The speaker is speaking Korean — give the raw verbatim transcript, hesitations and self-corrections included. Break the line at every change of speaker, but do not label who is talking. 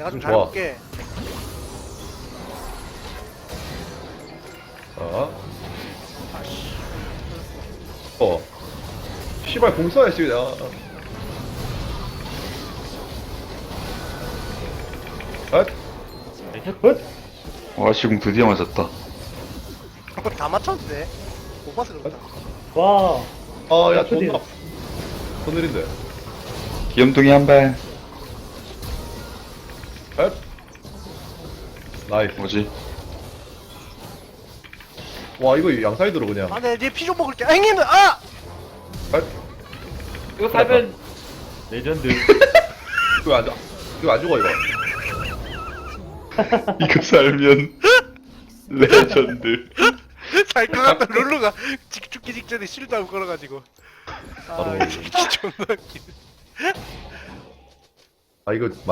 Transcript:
내가 좀
좋아.
잘해볼게.
자,
아씨.
어. 씨발 공 써야지 그냥. 엇? 엇?
와 지금 드디어 맞았다.
다 맞췄는데. 못 봐서 그렇다.
와.
아, 야,
드디어.
존나. 더 느린데.
귀염둥이 한 발.
엇? 나이스.
뭐지?
와, 이거 양사이드로 그냥.
아, 네, 이제 피 좀 먹을게. 아, 형님, 아!
엇?
이거 살면 레전드.
이거 안, 죽- 이거 안 죽어, 이거.
이거 살면 레전드.
살것 같다, 룰루가. 직- 죽기 직전에 실드하고 걸어가지고. 아,
바로.
이 새끼 존나 웃기네.
아, 이거